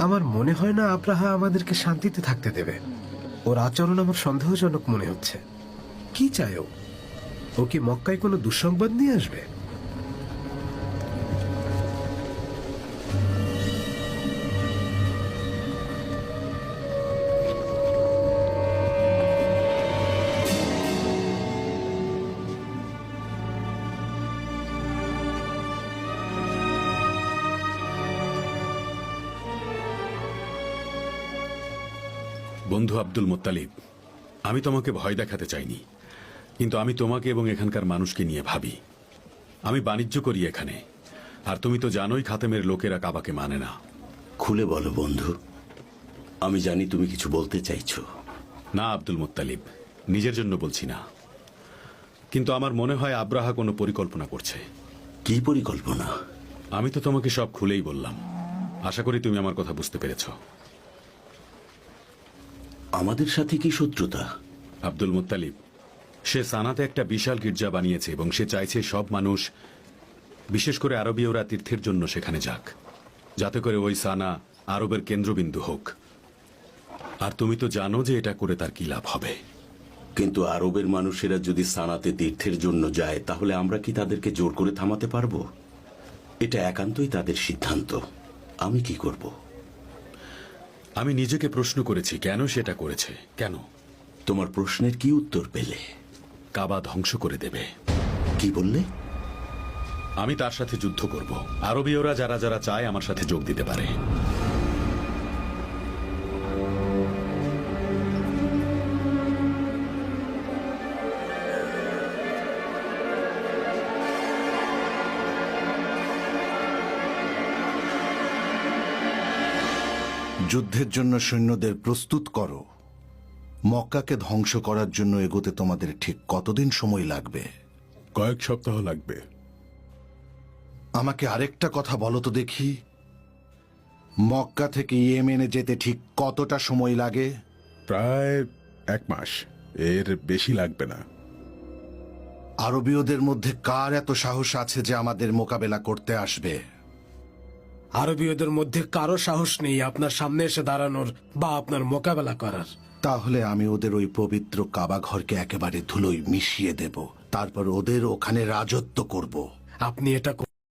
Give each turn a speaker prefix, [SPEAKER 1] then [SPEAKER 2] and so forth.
[SPEAKER 1] আমার মনে হয় না আব্রাহা আমাদেরকে শান্তিতে থাকতে দেবে। ওর আচরণ আমার সন্দেহজনক মনে হচ্ছে। কি চায় ও কি মক্কায় কোনো দুঃসংবাদ নিয়ে আসবে?
[SPEAKER 2] বন্ধু আব্দুল মুত্তালিব, আমি তোমাকে ভয় দেখাতে চাইনি, কিন্তু আমি তোমাকে এবং এখানকার মানুষকে নিয়ে ভাবি। আমি বাণিজ্য করি এখানে, আর তুমি তো জানোই খাতেমের লোকেরা কাবাকে মানে না।
[SPEAKER 3] খুলে বলো বন্ধু, আমি জানি তুমি কিছু বলতে চাইছো।
[SPEAKER 2] না আব্দুল মুত্তালিব, নিজের জন্য বলছি না, কিন্তু আমার মনে হয় আব্রাহা কোনো পরিকল্পনা করছে।
[SPEAKER 3] কি পরিকল্পনা?
[SPEAKER 2] আমি তো তোমাকে সব খুলেই বললাম, আশা করি তুমি আমার কথা বুঝতে পেরেছ।
[SPEAKER 3] আমাদের সাথে কি শত্রুতা?
[SPEAKER 2] আব্দুল মুত্তালিব, সে সানাতে একটা বিশাল গির্জা বানিয়েছে এবং সে চাইছে সব মানুষ, বিশেষ করে আরবীয়রা, তীর্থের জন্য সেখানে যাক, যাতে করে ওই সানা আরবের কেন্দ্রবিন্দু হোক। আর তুমি তো জানো যে এটা করে তার কি লাভ হবে।
[SPEAKER 3] কিন্তু আরবের মানুষেরা যদি সানাতে তীর্থের জন্য যায়, তাহলে আমরা কি তাদেরকে জোর করে থামাতে পারবো? এটা একান্তই তাদের সিদ্ধান্ত। আমি কি করব?
[SPEAKER 2] আমি নিজেকে প্রশ্ন করেছি কেন সেটা করেছে। কেন?
[SPEAKER 3] তোমার প্রশ্নের কি উত্তর পেলে?
[SPEAKER 2] কাবা ধ্বংস করে দেবে।
[SPEAKER 3] কি বললে?
[SPEAKER 2] আমি তার সাথে যুদ্ধ করব। আরবীয়রা যারা যারা চায় আমার সাথে যোগ দিতে পারে।
[SPEAKER 4] যুদ্ধের জন্য সৈন্যদের প্রস্তুত করো। মক্কাকে ধ্বংস করার জন্য এগোতে তোমাদের ঠিক কতদিন সময় লাগবে?
[SPEAKER 5] কয়েক সপ্তাহ লাগবে।
[SPEAKER 4] আমাকে আরেকটা কথা বলো তো দেখি, মক্কা থেকে ইয়েমেনে যেতে ঠিক কতটা সময় লাগে?
[SPEAKER 5] প্রায় 1 মাস, এর বেশি লাগবে না।
[SPEAKER 4] আরবীয়দের মধ্যে কার এত সাহস আছে যে আমাদের মোকাবেলা করতে আসবে?
[SPEAKER 1] আরবীয়দের মধ্যে কারো সাহস নেই আপনার সামনে এসে দাঁড়ানোর বা আপনার মোকাবেলা করার।
[SPEAKER 4] তাহলে আমি ওদের ওই পবিত্র কাবা ঘরকে একেবারে ধুলোয় মিশিয়ে দেব, তারপর ওদের ওখানে রাজত্ব করব।
[SPEAKER 1] আপনি এটা